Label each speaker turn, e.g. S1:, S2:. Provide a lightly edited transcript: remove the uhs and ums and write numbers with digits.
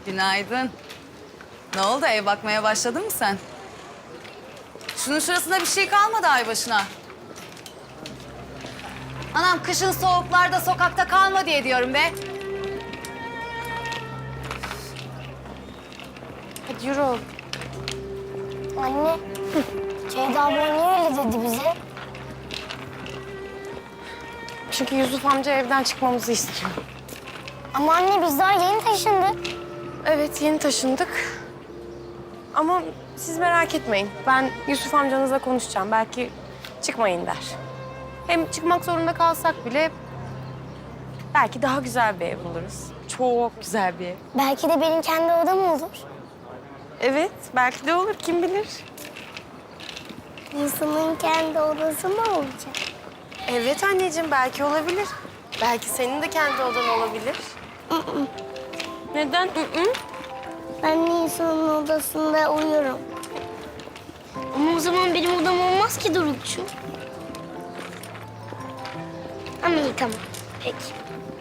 S1: Günaydın. Ne oldu, ev bakmaya başladın mı sen? Şunun şurasında bir şey kalmadı ay başına. Anam kışın soğuklarda sokakta kalma diye diyorum be.
S2: Hadi yürü oğlum.
S3: Anne, Ceyda abla niye öyle dedi bize?
S2: Çünkü Yusuf amca evden çıkmamızı istiyor.
S3: Ama anne biz daha yeni taşındık.
S2: Evet, yeni taşındık. Ama siz merak etmeyin. Ben Yusuf amcanızla konuşacağım. Belki çıkmayın der. Hem çıkmak zorunda kalsak bile belki daha güzel bir ev buluruz. Çok güzel bir ev.
S3: Belki de benim kendi odam olur.
S2: Evet, belki de olur. Kim bilir?
S3: İnsanın kendi odası mı olacak?
S2: Evet anneciğim, belki olabilir. Belki senin de kendi odan olabilir. Neden?
S3: Ben insanın odasında uyurum. Ama o zaman benim odam olmaz ki Dorukçu. Ama iyi tamam. Peki.